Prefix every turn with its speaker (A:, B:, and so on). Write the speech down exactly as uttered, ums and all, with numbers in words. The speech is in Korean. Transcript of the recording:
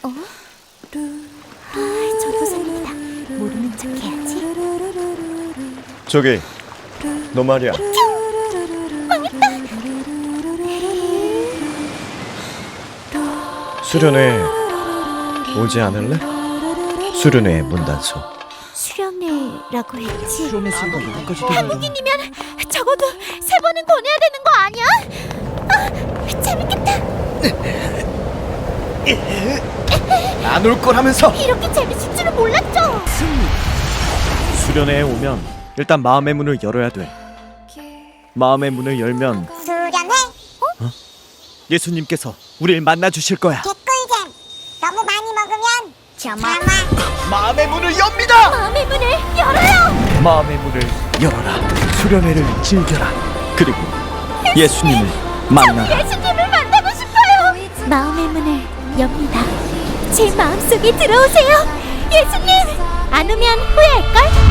A: 어? 아, 전도사님이다. 모르는 척 해야지.
B: 저기, 너 말이야. 수련회 오지 않을래? 수련회 문단속.
A: 수련회라고 했지.
C: 수련회 수가 여기까지 되는
A: 한국인이면 적어도 세 번은 권해야 되는 거 아니야? 아, 재밌겠다.
C: 안 올 거라면서.
A: 이렇게 재밌을 줄은 몰랐죠.
C: 수련회에 오면 일단 마음의 문을 열어야 돼. 마음의 문을 열면
D: 수련회
C: 예수님께서 우리를 만나 주실 거야.
D: 개꿀잼 너무 많이 먹으면
A: 자마.
C: 마음의 문을 엽니다.
A: 마음의 문을 열어요.
C: 마음의 문을 열어라. 수련회를 즐겨라. 그리고 예수님을 만나라.
A: 예수님을 만나고 싶어요. 마음의 문을 엽니다. 제 마음속에 들어오세요. 예수님. 안 오면 후회할걸?